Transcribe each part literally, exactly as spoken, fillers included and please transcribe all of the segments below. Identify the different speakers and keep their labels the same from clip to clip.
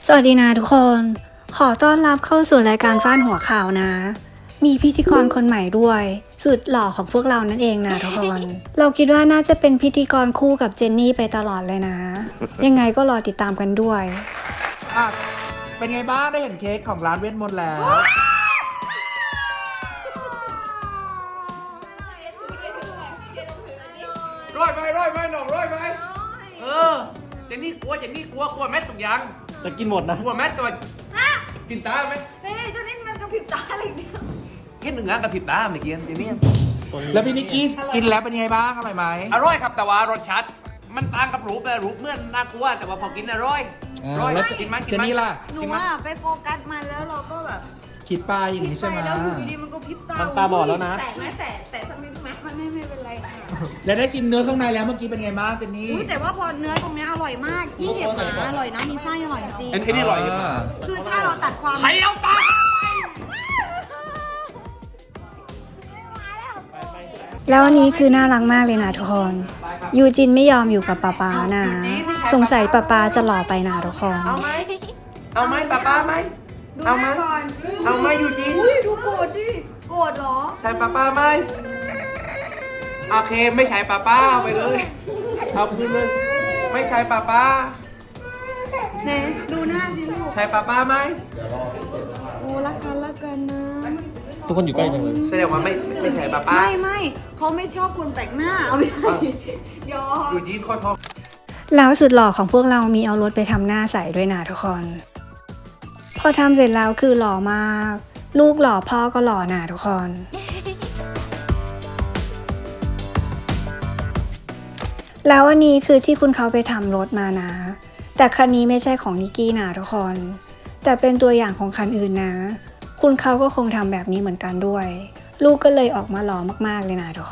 Speaker 1: สวัสดีนะทุกคน ขอต้อนรับเข้าสู่รายการฟ้านหัวข่าวนะ มีพิธีกรคนใหม่ด้วยสุดหล่อของพวกเรานั่นเองนะทุกคน เราคิดว่าน่าจะเป็นพิธีกรคู่กับเจนนี่ไปตลอดเลยนะ ยังไงก็รอติดตามกันด้วย
Speaker 2: อ่ะเป็นไงบ้างได้เห็นเค้กของร้านเวทมนต์แล้วร้อยไหมร้อยไหมหน่องร้อยไหม
Speaker 3: เออเจนนี่กลัวเจนนี่กลัวกลัวแม็กทุกอย่าง
Speaker 4: จะกินหมดนะ
Speaker 3: กลัวแม็กตัว
Speaker 2: กินตาไหม
Speaker 5: เฮ้ยช่วงนี้มันกระพริบตาอะไรเนี่ย
Speaker 3: กินหนึ่งงานกับผิดตาเมื่อกี้เจนนี่
Speaker 2: แล้วพี่นิกกี้กินแล้วเป็นไงบ้างอร่อยไหม
Speaker 3: อร่อยครับแต่ว่ารสชาติมันต่างกับรูปเลยรูปเมื่อนน่ากลัวแต่ว่าพอกินอร่อยอร่อย
Speaker 2: แล้ว
Speaker 3: กินมันกิ
Speaker 2: เจ
Speaker 3: น
Speaker 2: น
Speaker 3: มัน
Speaker 2: นี่ล่ะ
Speaker 5: หนู
Speaker 2: กินมั้ย
Speaker 5: อ่ะไปโฟกัสมันแล้วเราก็แบบ
Speaker 2: คิดปลาอย่างนี้ใช่ไหม
Speaker 5: ไปแล้วอยู่ดีๆมันก็พริบตา
Speaker 4: มันตาบอดแล้วนะ
Speaker 5: แต่ไหมแต่แต่ทำไมไหมมันไม่ไม่เป็นไรค่ะ
Speaker 2: แล้วได้ชิมเนื้อข้างในแล้วเมื่อกี้เป็นไงบ้างเจนนี่
Speaker 5: อุ้ยแต่ว่าพอเนื้อตรงเนี้ยอร่อยมากยิ่งเห็บหมาอร่อยนะมีไส้อร่อยจริง
Speaker 3: ไอ้นี่อร่อยใช่ไหม
Speaker 5: คือถ้าเราตัดความ
Speaker 3: ใครเอาตา
Speaker 1: แล้วอันนี้คือน่ารักมากเลยนะทุกคน ยูจินไม่ยอมอยู่กับป๊าป๊านะ สงสัยป๊าป๊าจะหล่อไปนะทุกคน
Speaker 3: เอาไหมเอาไหมป้าป้าไหม
Speaker 5: ดู
Speaker 3: เอา
Speaker 5: ห
Speaker 3: ไหม
Speaker 5: น้าก่อน
Speaker 3: เอาไหมยูจีน
Speaker 5: อุ้ยดูโกรธดิโกรธเหรอ
Speaker 3: ใช่ป้าป้าไหมโอเคไม่ใช่ป้าป้าเอาไปเลยเอาคืนเลยไม่ใช่ป้าป้า
Speaker 5: ไหนดูหน้าสิลูก
Speaker 3: ใช่ป้าป้าไหม
Speaker 5: โอ้รักกันรักกันนะ
Speaker 4: ทุกคนอยู่ใกล้จังเลย
Speaker 3: แสดงว่าไม่ไม่ใช่ป้าป้า
Speaker 5: ไม่ไม่เขาไม่ชอบคนแปลกหน้าเอาไม่ใช่ยอม
Speaker 3: ยูจีนข้อท้อง
Speaker 1: แล้วสุดหล่อของพวกเรามีเอารถไปทำหน้าใสด้วยนะทุกคน พอทำเสร็จแล้วคือหล่อมาก ลูกหล่อพ่อก็หล่อนะทุกคน แล้วอันนี้คือที่คุณเขาไปทำรถมานะ แต่คันนี้ไม่ใช่ของนิกกี้นะทุกคน แต่เป็นตัวอย่างของคันอื่นนะ คุณเขาก็คงทำแบบนี้เหมือนกันด้วย ลูกก็เลยออกมาหล่อมากๆเลยนะทุกคน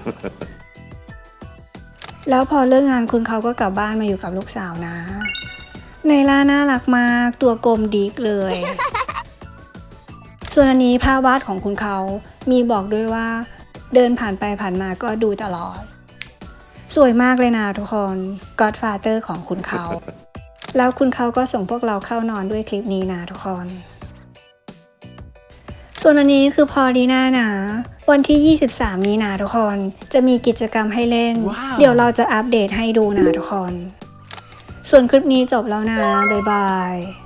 Speaker 1: แล้วพอเลิกงานคุณเขาก็กลับบ้านมาอยู่กับลูกสาวนะไนล่าน่ารักมากตัวกลมดิกเลย ส่วนอันนี้ภาพวาดของคุณเขามีบอกด้วยว่า เดินผ่านไปผ่านมาก็ดูตลอด สวยมากเลยนะทุกคน Godfather ของคุณเขา แล้วคุณเขาก็ส่งพวกเราเข้านอนด้วยคลิปนี้นะทุกคน ส่วนอันนี้คือพอดีน่านะ วันที่ยี่สิบสามนี้นะทุกคนจะมีกิจกรรมให้เล่น เดี๋ยวเราจะอัปเดตให้ดูนะทุกคน ส่วนคลิปนี้จบแล้วนะ บ๊ายบาย